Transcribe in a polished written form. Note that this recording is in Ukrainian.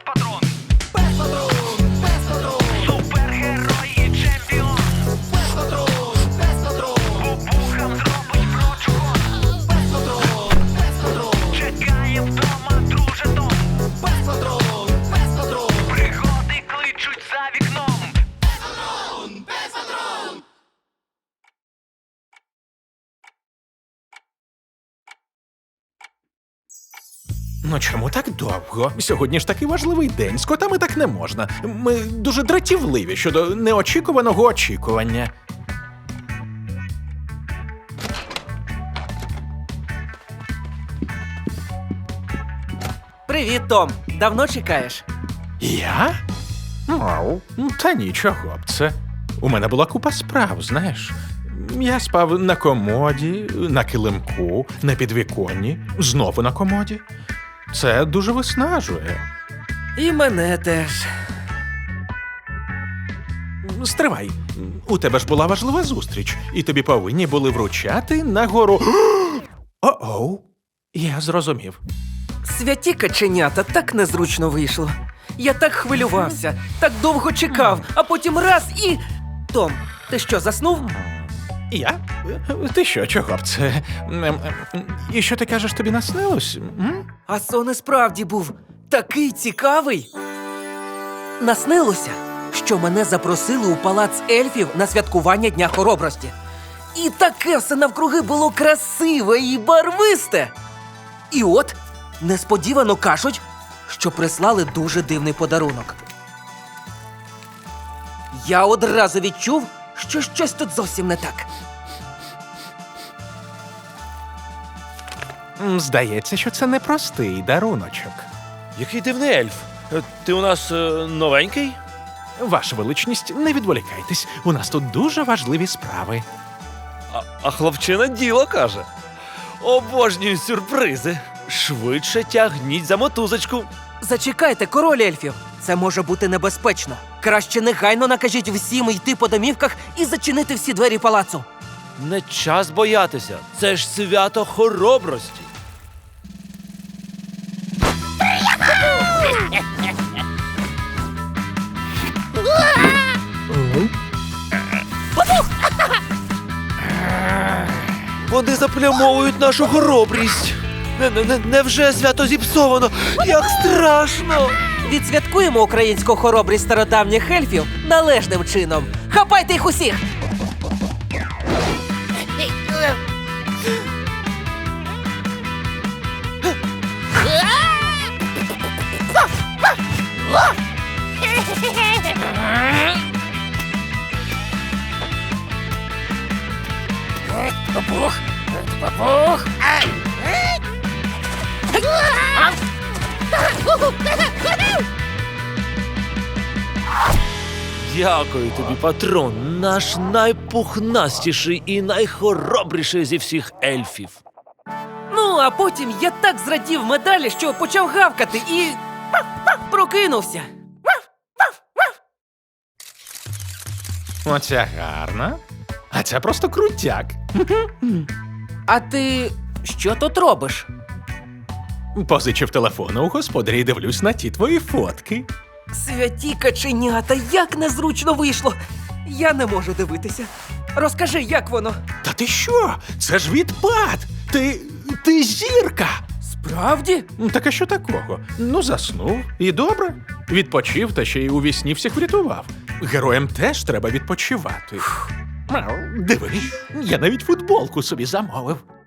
Пес-патрон! Пес-патрон! Пес-патрон! Супергерой і чемпіон! Пес-патрон! Пес-патрон! Бубухам зробить прочухон! Пес-патрон! Пес-патрон! Чекає вдома друже Том! Пес-патрон! Пес-патрон! Пригоди кличуть за вікном! Пес-патрон! Пес-патрон! Ну чому так довго? Сьогодні ж такий важливий день. З котами так не можна. Ми дуже дратівливі щодо неочікуваного очікування. Привіт, Том. Давно чекаєш? Я? Ау, та нічого б це. У мене була купа справ, знаєш. Я спав на комоді, на килимку, на підвіконні, знову на комоді. Це дуже виснажує. І мене теж. Стривай, у тебе ж була важлива зустріч, і тобі повинні були вручати нагору. О-оу, я зрозумів. Святі каченята, так незручно вийшло. Я так хвилювався, так довго чекав, а потім раз і... Том, ти що, заснув? Я? Ти що, чого б це? І що ти кажеш, тобі наснилось? А сон і справді був такий цікавий. Наснилося, що мене запросили у палац ельфів на святкування Дня Хоробрості. І таке все навкруги було красиве і барвисте. І от несподівано кажуть, що прислали дуже дивний подарунок. Я одразу відчув, що щось тут зовсім не так. Здається, що це непростий даруночок. Який дивний ельф. Ти у нас новенький? Ваша величність, не відволікайтесь, у нас тут дуже важливі справи. А хлопчина діло каже. Обожнюю сюрпризи. Швидше тягніть за мотузочку. Зачекайте, король ельфів. Це може бути небезпечно. Краще негайно накажіть всім йти по домівках і зачинити всі двері палацу. Не час боятися. Це ж свято хоробрості. Вони заплямовують нашу хоробрість. Невже свято зіпсовано? Як страшно! Відсвяткуємо українську хоробрість стародавніх ельфів належним чином. Хапайте їх усіх! Дякую тобі, патрон, наш найпухнастіший і найхоробріший зі всіх ельфів. Ну, а потім я так зрадів медалі, що почав гавкати і... прокинувся. Оця гарна, а ця просто крутяк. А ти що тут робиш? Позичив телефон у господаря і дивлюсь на ті твої фотки. Святі каченята, як незручно вийшло. Я не можу дивитися. Розкажи, як воно? Та ти що? Це ж відпад! Ти зірка! Справді? Так а що такого? Ну, заснув, і добре. Відпочив, та ще й у вісні всіх врятував. Героям теж треба відпочивати. Диви, я навіть футболку собі замовив.